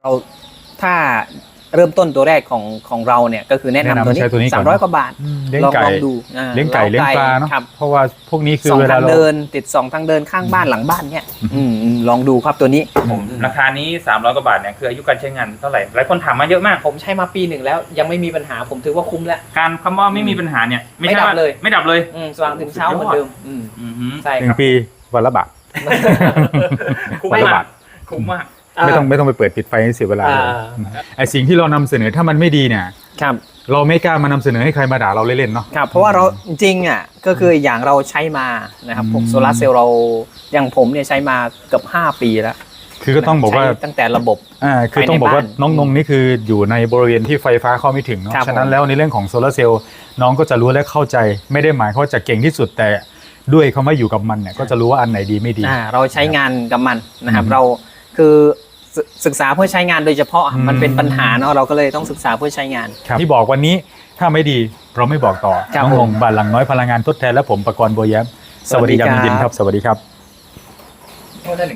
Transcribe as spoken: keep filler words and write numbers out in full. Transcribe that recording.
เราถ้าเริ่มต้นตัวแรกของของเราเนี่ยก็คือแนะนำตัวนี้สามร้อยกว่าบาทลองลองดูเลี้ยงไก่เลี้ยงปลาเนาะเพราะว่าพวกนี้คือเวลาเราเดินติดสองทางเดินข้างบ้านหลังบ้านเนี่ยลองดูครับตัวนี้ผมราคานี้สามร้อยกว่าบาทเนี่ยคืออายุการใช้งานเท่าไหร่หลายคนถามมาเยอะมากผมใช้มาปีหนึ่งแล้วยังไม่มีปัญหาผมถือว่าคุ้มแล้วการคำว่าไม่มีปัญหาเนี่ยไม่ดับเลยไม่ดับเลยสว่างถึงเช้าเหมือนเดิมใช่หนึ่งปีวันละบาทคุ้มมากคุ้มมากไม่ต้องไม่ต้องไปเปิดปิดไฟให้เสียเวลาไอสิ่งที่เรานำเสนอถ้ามันไม่ดีเนี่ยครับเราไม่กล้ามานำเสนอให้ใครมาด่าเราเล่นๆเนาะครับเพราะว่าเราจริงอ่ะก็คืออย่างเราใช้มานะครับพวกโซลาร์เซลล์เราอย่างผมเนี่ยใช้มาเกือบห้าปีแล้วคือก็ต้องบอกว่าตั้งแต่ระบบอ่าคือต้องบอกว่าน้องนงนี่คืออยู่ในบริเวณที่ไฟฟ้าเข้าไม่ถึงเนาะฉะนั้นแล้วในเรื่องของโซลาร์เซลล์น้องก็จะรู้และเข้าใจไม่ได้หมายเขาจะเก่งที่สุดแต่ด้วยคำว่าอยู่กับมันเนี่ยก็จะรู้ว่าอันไหนดีไม่ดีเราใช้งานกับมันนะครับเราคือศึกษาเพื่อใช้งานโดยเฉพาะมันเป็นปัญหาเนาะเราก็เลยต้องศึกษาเพื่อใช้งานที่บอกวันนี้ถ้าไม่ดีเราไม่บอกต่อน้องนงบ้านหลังน้อยพลังงานทดแทนและผมประกรณ์บัวแย้มสวัสดีครับยินดีครับสวัสดีครับ